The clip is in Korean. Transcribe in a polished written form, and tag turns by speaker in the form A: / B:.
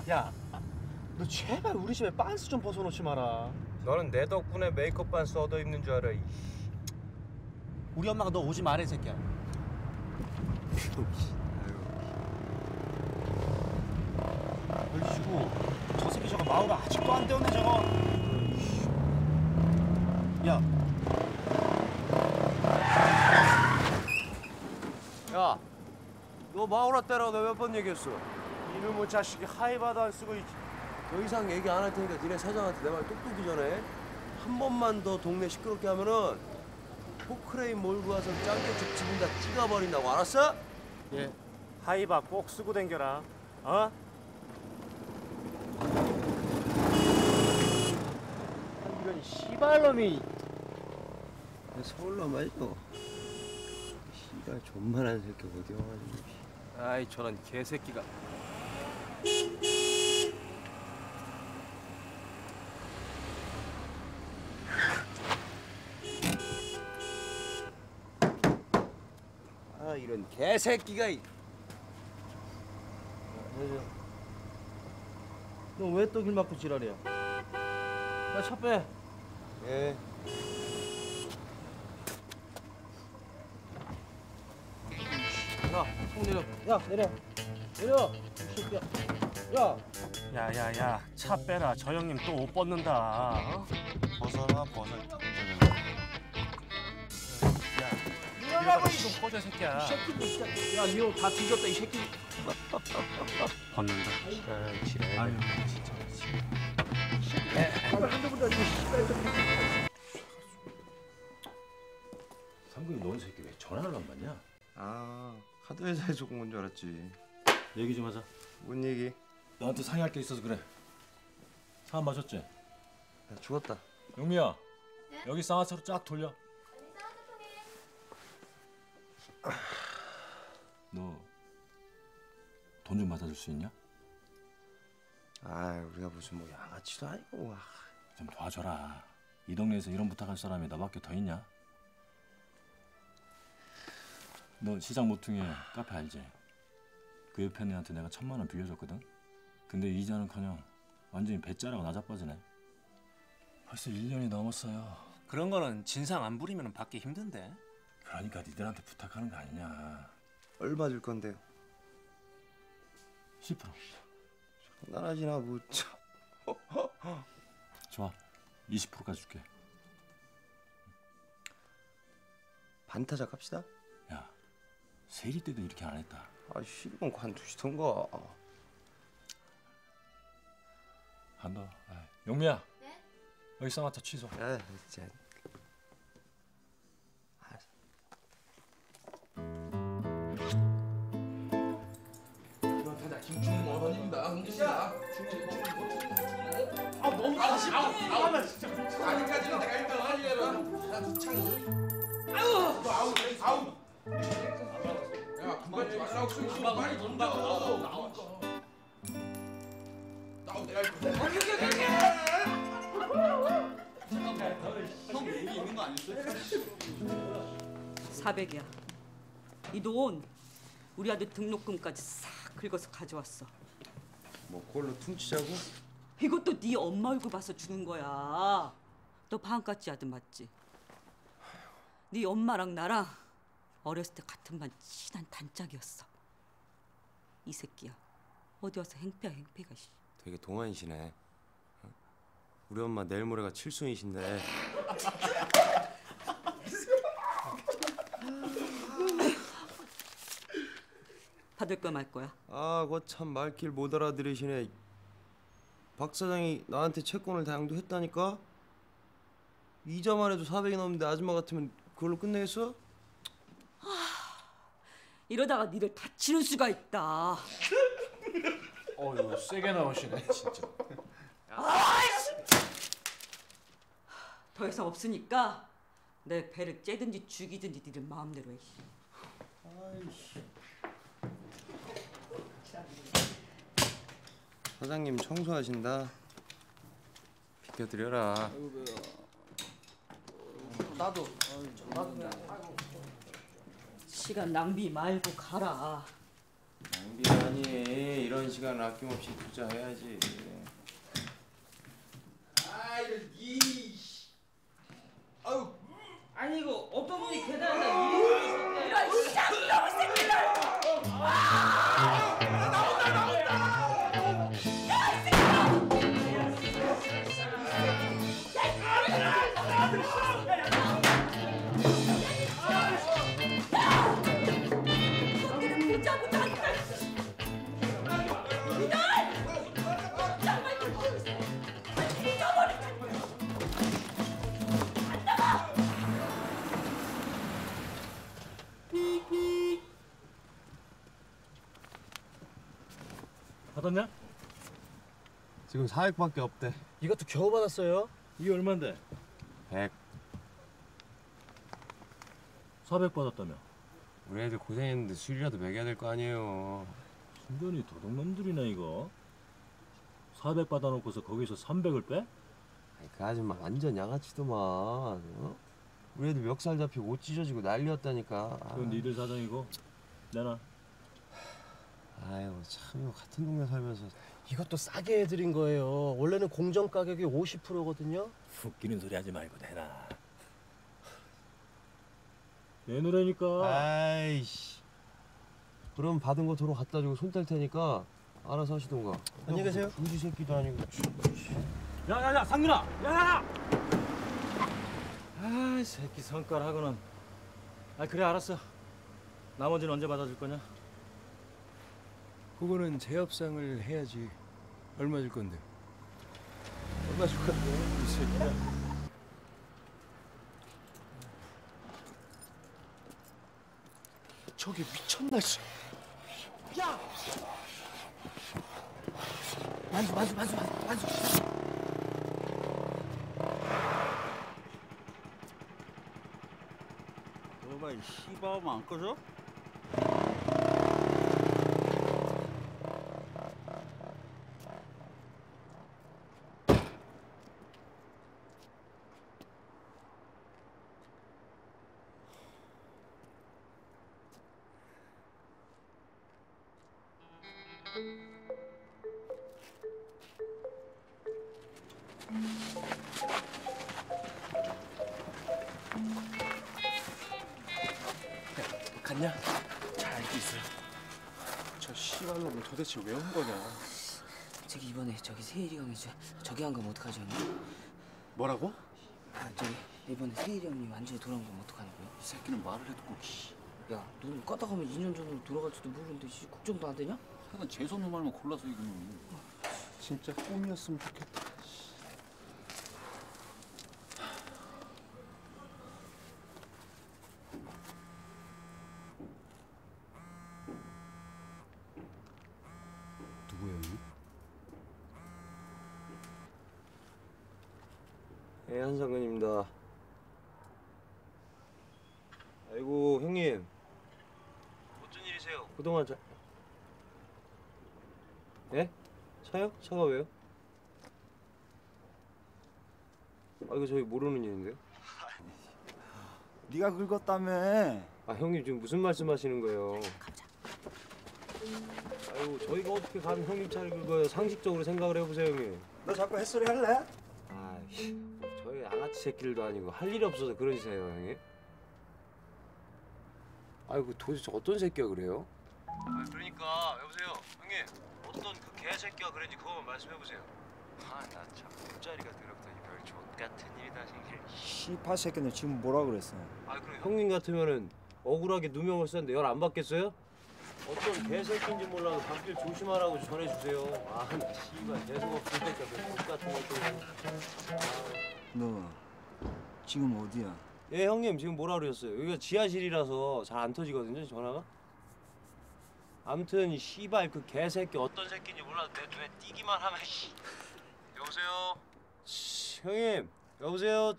A: 야, 너 제발 우리 집에 빤스 좀 벗어놓지 마라.
B: 너는 내 덕분에 메이크업 빤스 얻어 입는 줄 알아.
A: 우리 엄마가 너 오지 말해, 새끼야. 걸리시고 저 새끼 저거 마우가 아직도 안 되었네 저거. 야.
B: 야, 너 마우라 때라고 내가 몇 번 얘기했어?
A: 이놈의 자식이 하이바도 안 쓰고
B: 더 이상 얘기 안 할 테니까 니네 사장한테 내 말 똑똑히 전해. 한 번만 더 동네 시끄럽게 하면은 포크레인 몰고 와서 짱깨집 지분 다 찍어버린다고, 알았어?
A: 예. 하이바 꼭 쓰고 댕겨라. 어? 이런 씨발놈이.
B: 서울로 말이죠. 씨발 존만한 새끼 어디 와가지고. 아이 저런 개새끼가. 아 이런 개새끼가.
A: 너 왜 또 길 막고 지랄이야? 야, 차 빼.
B: 예.
A: 야, 총 내려. 야, 내려. 내려. 이 새끼야. 야. 야야야, 차 빼라. 저 형님 또 옷 벗는다. 어?
B: 벗어라 벗어.
A: 야, 이러라고 좀 꺼져, 새끼야. 이 새끼. 야, 니 옷 다 뒤졌다, 이 새끼. 벗는다.
B: 아, 지랄.
A: 아유, 진짜.
C: 상근이 너희 새끼 왜 전화를 안 받냐?
B: 아 카드 회사에서 온 줄 알았지.
C: 얘기 좀 하자.
B: 뭔 얘기?
C: 너한테 상의할 게 있어서 그래. 사안 마셨지?
B: 야, 죽었다.
C: 용미야. 네? 여기 쌍화차로 쫙 돌려. 너 돈 좀 받아줄 수 있냐?
B: 아 우리가 무슨 뭐 양아치도 아니고.
C: 좀 도와줘라. 이 동네에서 이런 부탁할 사람이 너밖에 더 있냐? 너 시장 모퉁이에 카페 알지? 그 옆에 애한테 내가 1,000만 원 빌려줬거든? 근데 이자는커녕 완전히 배짜라고 나자빠지네. 벌써 1년이 넘었어요.
A: 그런 거는 진상 안 부리면 받기 힘든데.
C: 그러니까 니들한테 부탁하는 거 아니냐.
B: 얼마 줄 건데요?
C: 10%.
B: 나라지나 뭐 참.
C: 좋아. 20%까지 줄게.
B: 반타작 합시다.
C: 야, 세리 때도 이렇게 안 했다.
B: 아 싫으면 관두시던가.
C: 한다. 용미야. 네? 여기 쌍화차 취소.
B: 야 진짜.
D: 김충 어머님입니다. 흥기씨야.
A: 아, 너무 아쉽다. 나 진짜.
D: 아직까지는 내가 1등 하려라. 나 창이. 아우. 너 아우. 야, 그만 말라고 소리 빨리 던져. 나오 내가 할 거야.
A: 형 여기 있는 거 아니었어?
E: 400이야. 이 돈 우리 아들 등록금까지 싹 긁어서 가져왔어.
B: 뭐 그걸로 퉁치자고?
E: 이것도 네 엄마 얼굴 봐서 주는 거야. 너 방학같이 아들 맞지? 네 엄마랑 나랑 어렸을 때 같은 반 친한 단짝이었어. 이 새끼야. 어디 와서 행패야 행패가.
B: 되게 동안이시네. 우리 엄마 내일 모레가 칠순이신데.
E: 받을 거 말 거야?
B: 아, 그거 참 말길 못 알아들으시네. 박 사장이 나한테 채권을 다 양도했다니까? 이자만 해도 400이 넘는데 아줌마 같으면 그걸로 끝내겠어?
E: 이러다가 니를 다치는 수가 있다.
A: 어휴, 세게 나오시네, 진짜.
E: 더 이상 없으니까 내 배를 째든지 죽이든지 니들 마음대로 해.
B: 아이씨. 사장님 청소하신다. 비켜드려라.
A: 나도.
E: 시간 낭비 말고 가라.
B: 낭비라니. 이런 시간 아낌없이 투자해야지.
D: 아 이런 이. 아유.
F: 아니 이거 어떤 분이 계단에다 이런
E: 이런 쌍놈의 새끼들! 너희는 보자부터 하니까 이들! 정말 잊어버리자.
C: 받았냐?
B: 지금 400밖에 없대.
A: 이것도 겨우 받았어요.
C: 이게 얼만데?
B: 100.
C: 400 받았다며.
B: 우리 애들 고생했는데 술이라도 먹여야 될 거 아니에요.
C: 순전히 도둑놈들이네 이거. 400 받아놓고서 거기서 300을 빼?
B: 아니, 그 아줌마 완전 양아치더만. 어? 우리 애들 멱살 잡히고 옷 찢어지고 난리였다니까.
C: 그건 니들 사정이고 내놔.
B: 아유 참 이거 같은 동네 살면서.
A: 이것도 싸게 해드린 거예요. 원래는 공정 가격이 50%거든요.
C: 웃기는 소리 하지 말고 내놔. 내놓으라니까.
B: 아이씨. 그럼 받은 거 도로 갖다 주고 손 뗄 테니까 알아서 하시던가.
A: 안녕히 계세요.
B: 부지 새끼도 아니고.
C: 야야야 상민아. 야야야.
A: 아, 이 새끼 성깔하고는. 아, 그래 알았어. 나머지는 언제 받아줄 거냐?
G: 그거는 재협상을 해야지. 얼마 줄 건데?
A: 얼마 줄 건데? 이 새끼야. 저기 미쳤나 씨. 야! 만수.
F: 너가 이 씨발하면 안 꺼져?
A: 갔냐?
G: 잘 알고 있어요. 저 씨발놈은 도대체 왜 온 거냐?
F: 저기 이번에 저기 세일이 형이 저기 한 거면 어떡하지 형님?
G: 뭐라고?
F: 아 저기 이번에 세일이 형님 완전히 돌아온 거면 어떡하냐고요?
G: 이 새끼는 말을 해도 꼭 씨.
F: 야 너는 껐다 가면 2년 전으로 돌아갈지도 모르는데 씨, 걱정도 안 되냐?
G: 하여간 재수없는 말만 골라서 이거는. 진짜 꿈이었으면 좋겠다. 누구예요?
B: 예, 한상근입니다. 아이고 형님. 어쩐 일이세요? 그동안 예? 차요? 차가 왜요? 아 이거 저희 모르는 일인데요?
H: 네가 긁었다며.
B: 아 형님 지금 무슨 말씀하시는 거예요? 아이고 저희가 어떻게 감히 형님 차를 긁어요? 상식적으로 생각을 해보세요 형님.
H: 너 자꾸 햇소리 할래?
B: 아이씨 저희 양아치 새끼들도 아니고 할 일이 없어서 그러시세요 형님? 아이고 도대체 어떤 새끼가 그래요? 아 그러니까 여보세요 형님 어떤 그 개새끼가 그랬는지 그거만 말씀해보세요. 아 나 참 꿈자리가 더럽더니 별 족같은 일이다 생길.
H: 씨파 새끼는 지금 뭐라 그랬어?
B: 아 그럼 형님 같으면은 억울하게 누명을 썼는데 열 안 받겠어요? 어떤 개새끼인지 몰라도 밖길 조심하라고 전해주세요. 아 씨발 재수 없으니까 그 똑같은 것도.
H: 너 지금 어디야?
B: 예 형님 지금 뭐라 그러셨어요? 여기가 지하실이라서 잘 안 터지거든요 전화가. 아무튼 이 씨발 그 개새끼 어떤 새끼인지 몰라도 내 눈에 띄기만 하면 씨. 여보세요? 형님 여보세요?